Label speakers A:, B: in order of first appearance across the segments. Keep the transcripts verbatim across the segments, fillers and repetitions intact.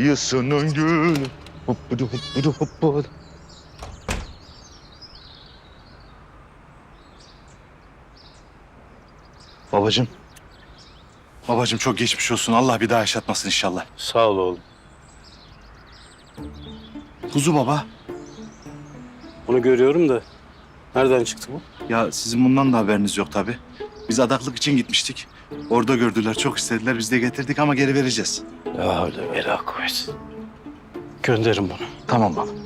A: kıyısının gülü. Hoppudu hoppudu hoppudu. Babacığım. Babacığım çok geçmiş olsun. Allah bir daha yaşatmasın inşallah.
B: Sağ ol oğlum.
A: Kuzu baba.
B: Onu görüyorum da nereden çıktı bu?
A: Ya sizin bundan da haberiniz yok tabii. Biz adaklık için gitmiştik. Orada gördüler, çok istediler. Biz de getirdik ama geri vereceğiz.
B: Ya öyle vela kuvvet. Gönderin bunu.
A: Tamam baba.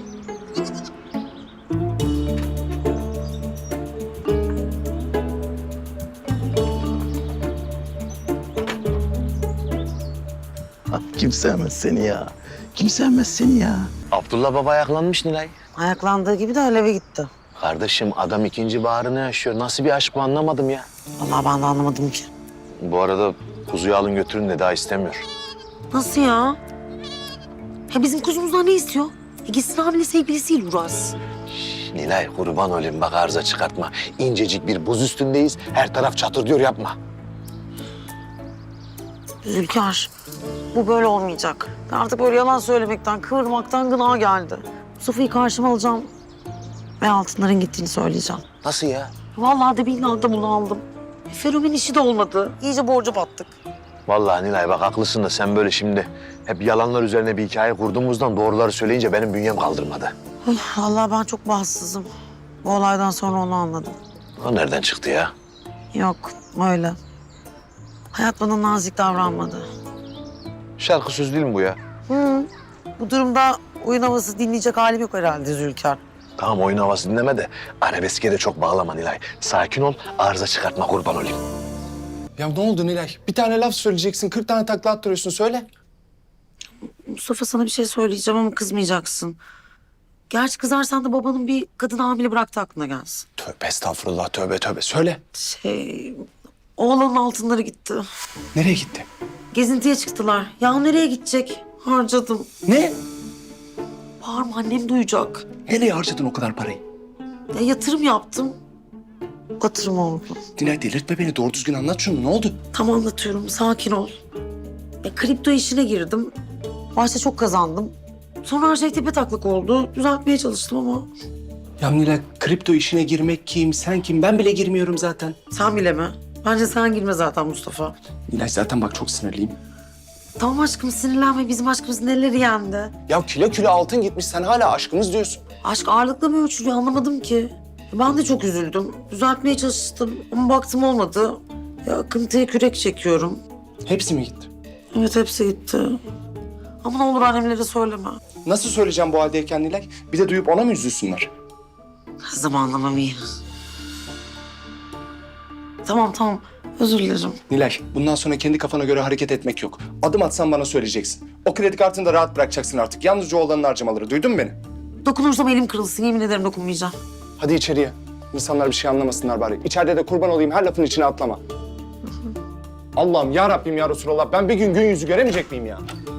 C: Kim sevmez seni ya? Kim sevmez seni ya?
D: Abdullah baba ayaklanmış Nilay.
E: Ayaklandığı gibi de eve gitti.
D: Kardeşim adam ikinci baharını yaşıyor. Nasıl bir aşk bu anlamadım ya.
E: Vallahi ben de anlamadım ki.
D: Bu arada kuzuyu alın götürün de daha istemiyor.
E: Nasıl ya? Ya bizim kuzumuzdan ne istiyor? E gitsin hamile sevgilisiyle uğraşsın.
D: Nilay kurban olayım bak arıza çıkartma. İncecik bir buz üstündeyiz. Her taraf çatır diyor yapma.
E: Zülkar, bu böyle olmayacak. Artık böyle yalan söylemekten, kıvırmaktan gına geldi. Mustafa'yı karşıma alacağım ve altınların gittiğini söyleyeceğim.
D: Nasıl ya?
E: Vallahi de billahi de bunu aldım. E, Ferumin işi de olmadı. İyice borca battık.
D: Vallahi Nilay bak haklısın da sen böyle şimdi hep yalanlar üzerine bir hikaye kurduğumuzdan doğruları söyleyince benim bünyem kaldırmadı.
E: Üf, vallahi ben çok bahtsızım. Bu olaydan sonra onu anladım.
D: O nereden çıktı ya?
E: Yok, öyle. Hayat bana nazik davranmadı.
D: Şarkı söz değil mi bu ya?
E: Hı. Bu durumda oyun havası dinleyecek halim yok herhalde Zülkar.
D: Tamam oyun havası dinleme de arabeske de çok bağlama Nilay. Sakin ol arıza çıkartma kurban olayım.
F: Ya ne oldu Nilay? Bir tane laf söyleyeceksin, kırk tane takla attırıyorsun. Söyle.
E: Mustafa sana bir şey söyleyeceğim ama kızmayacaksın. Gerçi kızarsan da babanın bir kadın hamile bıraktı aklına gelsin.
F: Tövbe estağfurullah, tövbe tövbe. Söyle.
E: Şey, oğlanın altınları gitti.
F: Nereye gitti?
E: Gezintiye çıktılar. Ya nereye gidecek? Harcadım.
F: Ne?
E: Bağırma annem duyacak.
F: Nereye harcadın o kadar parayı?
E: Ya yatırım yaptım. Yatırım oldu.
F: Nilay delirtme beni. Doğru düzgün anlat şunu. Ne oldu?
E: Tam anlatıyorum. Sakin ol. Ya kripto işine girdim. Başta çok kazandım. Sonra her şey tepetaklak oldu. Düzeltmeye çalıştım ama
F: Ya Nilay kripto işine girmek kim, sen kim? Ben bile girmiyorum zaten.
E: sen bileme. Bence sen girme zaten Mustafa.
F: Nilay zaten bak çok sinirliyim.
E: Tamam aşkım sinirlenme. Bizim aşkımız neleri yendi?
F: Ya kilo kilo altın gitmiş. Sen hala aşkımız diyorsun.
E: Aşk ağırlıkla mı ölçülüyor anlamadım ki. Ben de çok üzüldüm. Düzeltmeye çalıştım ama baktım olmadı. Ya akıntıya kürek çekiyorum.
F: Hepsi mi gitti?
E: Evet hepsi gitti. Ama ne olur annemlere söyleme.
F: Nasıl söyleyeceğim bu haldeyken Nilay? Bir de duyup ona mı üzülsünler?
E: Zamanlamam iyi. Tamam tamam özür dilerim.
F: Nilay, bundan sonra kendi kafana göre hareket etmek yok. Adım atsan bana söyleyeceksin. O kredi kartını da rahat bırakacaksın artık. Yalnızca oğlanın harcamaları. Duydun mu beni?
E: Dokunursam elim kırılsın yemin ederim dokunmayacağım.
F: Hadi içeriye. İnsanlar bir şey anlamasınlar bari. İçeride de kurban olayım her lafın içine atlama. Allah'ım ya Rabbim ya Resulallah. Ben bir gün gün yüzü göremeyecek miyim ya?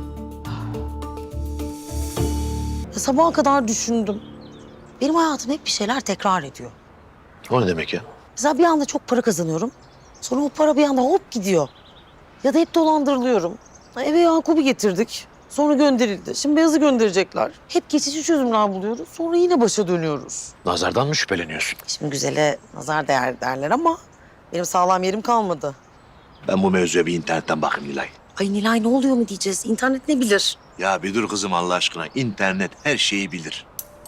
E: Ya sabaha kadar düşündüm. Benim hayatım hep bir şeyler tekrar ediyor.
D: O ne demek ya?
E: Mesela bir anda çok para kazanıyorum. Sonra o para bir anda hop gidiyor. Ya da hep dolandırılıyorum. Eve Yakup'u getirdik. Sonra gönderildi. Şimdi Beyaz'ı gönderecekler. Hep geçici çözümler buluyoruz. Sonra yine başa dönüyoruz.
D: Nazardan mı şüpheleniyorsun?
E: Şimdi güzele nazar değer derler ama benim sağlam yerim kalmadı.
D: Ben bu mevzuya bir internetten bakayım Nilay.
E: Ay Nilay ne oluyor mu diyeceğiz? İnternet ne bilir?
D: Ya bir dur kızım Allah aşkına. İnternet her şeyi bilir.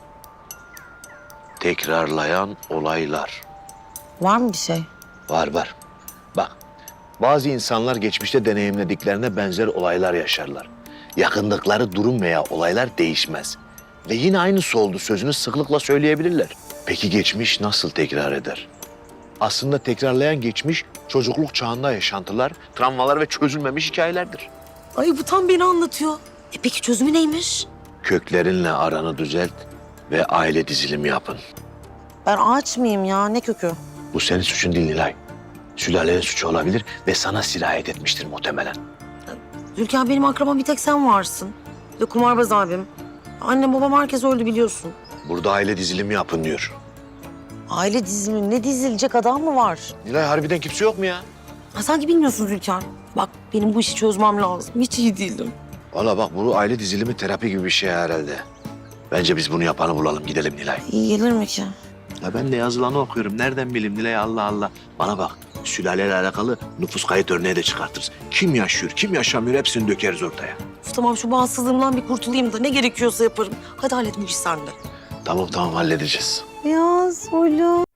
D: Tekrarlayan olaylar.
E: Var mı bir şey?
D: Var var. Bak bazı insanlar geçmişte deneyimlediklerine benzer olaylar yaşarlar. Yakındıkları durum veya olaylar değişmez. Ve yine aynısı oldu sözünü sıklıkla söyleyebilirler. Peki geçmiş nasıl tekrar eder? Aslında tekrarlayan geçmiş çocukluk çağında yaşantılar, travmalar ve çözülmemiş hikayelerdir.
E: Ay bu tam beni anlatıyor. E peki çözümü neymiş?
D: Köklerinle aranı düzelt ve aile dizilimi yapın.
E: Ben ağaç mıyım ya? Ne kökü?
D: Bu senin suçun değil Nilay. Sülalenin suçu olabilir ve sana sirayet etmiştir muhtemelen.
E: Zülkan benim akrabam bir tek sen varsın. Bir de kumarbaz abim. Annem babam herkes öldü biliyorsun.
D: Burada aile dizilimi yapın diyor.
E: Aile dizimi ne dizilecek adam mı var?
D: Nilay harbiden kimse yok mu ya?
E: Ha, sanki bilmiyorsun Zülkan. Bak benim bu işi çözmem lazım. Hiç iyi değilim.
D: Valla bak bu aile dizilimi terapi gibi bir şey herhalde. Bence biz bunu yapanı bulalım. Gidelim Nilay.
E: İyi gelir mi ki?
D: Ya ben de yazılanı okuyorum. Nereden bileyim Nilay, Allah Allah. Bana bak, sülaleyle alakalı nüfus kayıt örneği de çıkartırız. Kim yaşıyor, kim yaşamıyor hepsini dökeriz ortaya.
E: Of, tamam şu bağımsızlığımdan bir kurtulayım da ne gerekiyorsa yaparım. Hadi hallet bu işi sen de.
D: Tamam tamam halledeceğiz.
E: Ya Soylu.